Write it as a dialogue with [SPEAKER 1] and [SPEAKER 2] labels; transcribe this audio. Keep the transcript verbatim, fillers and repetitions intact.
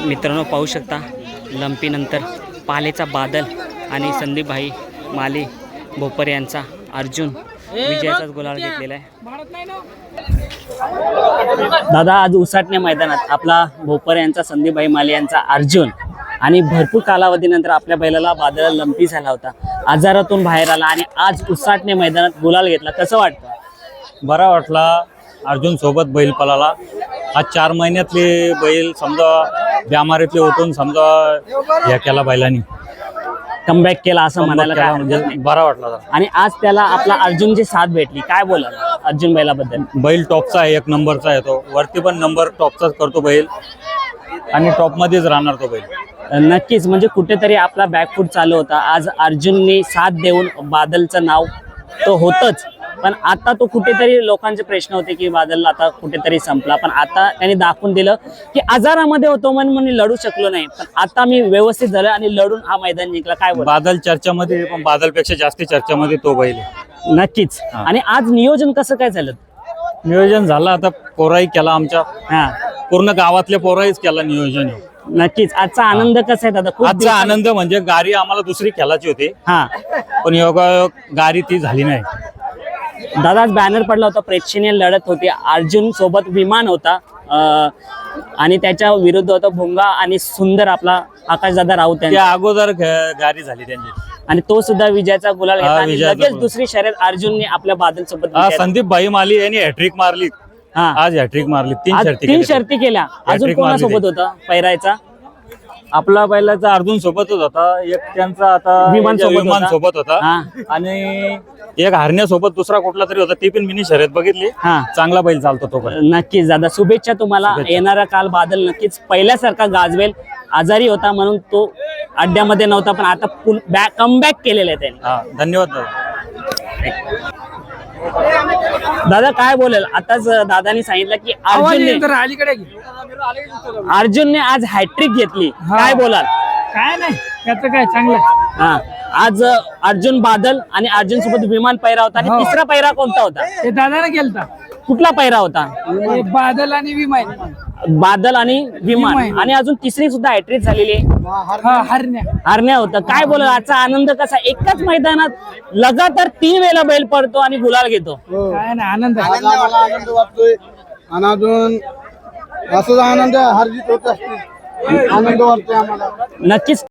[SPEAKER 1] मित्रांनो पाहू शकता लंपीनंतर पालेचा बादल आणि संदीप भाई माली भोपर यांचा अर्जुन विजयाचाच गुलाल घेतलेला आहे। दादा आज उसाटणे मैदानात आपला भोपर यांचा संदीप भाई माली यांचा अर्जुन आणि भरपूर कालावधीनंतर आपल्या बैलाला बादल लंपी झाला होता, आजारातून बाहेर आला आणि आज उसाटणे मैदानात गुलाल घेतला, कसं वाटतं?
[SPEAKER 2] बरा वाटला। अर्जुन सोबत बैल पळाला। आज चार महिन्यातले बैल समजा बिमारीतले होतून समजा या केला बैलांनी
[SPEAKER 1] कमबॅक केला असं म्हणायला काय
[SPEAKER 2] म्हणजे बरा वाटला।
[SPEAKER 1] आणि आज त्याला आपला अर्जुनची साथ भेटली, काय बोला अर्जुन बैलाबद्दल?
[SPEAKER 2] बैल टॉपचा आहे, एक नंबरचा आहे, तो वरती पण नंबर टॉपचाच करतो बैल आणि टॉप मध्येच राहणार तो बैल।
[SPEAKER 1] नक्कीच, म्हणजे कुठेतरी आपला बॅकफूट चालू होता, आज अर्जुनने साथ देऊन बादलचं नाव तो होतच, पण आता तो कुठेतरी लोकांचे प्रश्न होते की बादल आता कुठेतरी संपला, पण आता त्यांनी दाखवून दिलं की आजारामध्ये होतो म्हणून मी लढू शकलो नाही, पण आता मी व्यवस्थित झालं आणि लढून हा मैदान जिंकला। काय बोल?
[SPEAKER 2] बादल चर्चामध्ये, पण बादलपेक्षा जास्त चर्चामध्ये तो बैल आहे।
[SPEAKER 1] नक्कीच। आणि आज नियोजन कसं काय झालं?
[SPEAKER 2] नियोजन झालं, आता पोराही केला, आमच्या
[SPEAKER 1] हा
[SPEAKER 2] पूर्ण गावातल्या पोराहीच केला नियोजन।
[SPEAKER 1] नक्कीच। आजचा आनंद कसा आहे दादा? खूप
[SPEAKER 2] आजचा आनंद म्हणजे गाडी आम्हाला दुसरी खेळायची होती,
[SPEAKER 1] हा
[SPEAKER 2] पण योगायोग गाडी ती झाली नाही।
[SPEAKER 1] दादा आज बॅनर पडला होता, प्रेक्षणीय लढत होती, अर्जुन सोबत विमान होता अं, आणि त्याच्या विरुद्ध होता भोंगा आणि सुंदर आपला आकाशदादा राऊत यांचा।
[SPEAKER 2] त्या अगोदर ग- गाडी झाली त्यांची
[SPEAKER 1] आणि तो सुद्धा विजयाचा गुलाल घेतला
[SPEAKER 2] हा,
[SPEAKER 1] आणि
[SPEAKER 2] विजयाचा
[SPEAKER 1] लगेच
[SPEAKER 2] गुलाल.
[SPEAKER 1] दुसरी शर्यत अर्जुनने आपल्या बादल सोबत
[SPEAKER 2] हा, संदीप भाई माली यांनी हॅट्रिक मारली।
[SPEAKER 1] हा
[SPEAKER 2] आज हॅट्रिक मारली, तीन
[SPEAKER 1] आज
[SPEAKER 2] शर्ती
[SPEAKER 1] तीन
[SPEAKER 2] केल्या.
[SPEAKER 1] शर्ती केल्या। अजून
[SPEAKER 2] Hat-trick
[SPEAKER 1] कोणासोबत
[SPEAKER 2] मारली
[SPEAKER 1] होता पैरायचा?
[SPEAKER 2] आपला बैलाचा अर्जुन सोबतच होता, एक त्यांचा आता
[SPEAKER 1] विमान सोबत
[SPEAKER 2] विमान
[SPEAKER 1] होता.
[SPEAKER 2] सोबत होता
[SPEAKER 1] हा.
[SPEAKER 2] आणि एक हरण्यासोबत दुसरा कुठला तरी होता, ती पण मिनी शर्यत बघितली।
[SPEAKER 1] हा
[SPEAKER 2] चांगला बैल चालतो तो पण।
[SPEAKER 1] नक्कीच दादा, शुभेच्छा तुम्हाला।
[SPEAKER 2] शुभेच्छा.
[SPEAKER 1] येणारा काल बादल नक्कीच पहिल्यासारखा गाजवेल। आजारी होता म्हणून तो अड्ड्यामध्ये नव्हता, पण आता बॅक कमबॅक केलेला आहे त्याने।
[SPEAKER 2] हा, धन्यवाद दादा।
[SPEAKER 1] दादा काय बोलेल? आताच दादानी सांगितलं की अर्जुनने अर्जुनने आज हॅट्रिक घेतली, काय बोलाल?
[SPEAKER 3] काय नाही त्याचं काय चांगलं।
[SPEAKER 1] हा आज अर्जुन बादल आणि अर्जुन सोबत विमान पैरा होता आणि
[SPEAKER 3] हो.
[SPEAKER 1] तिसरा पैरा कोणता होता?
[SPEAKER 3] ते दादाने केलता
[SPEAKER 1] कुठला पैरा होता?
[SPEAKER 3] हे बादल आणि विमान।
[SPEAKER 1] बादल आणि विमान,
[SPEAKER 3] विमान.
[SPEAKER 1] आणि अजून तिसरी सुद्धा हॅट्रिक झालेली आहे,
[SPEAKER 3] हा हरण्या।
[SPEAKER 1] हरण्या होतं। काय बोलाल आजचा आनंद कसा? एकाच मैदानात लगातार तीन वेळेला बैल पडतो आणि गुलाल घेतो,
[SPEAKER 3] काय नाही आनंद आहे।
[SPEAKER 4] आनंद आम्हाला आनंद वाटतोय आणि अजून असंच आनंद हरजीत होत असते, आनंद वाटतोय आम्हाला।
[SPEAKER 1] नक्कीच।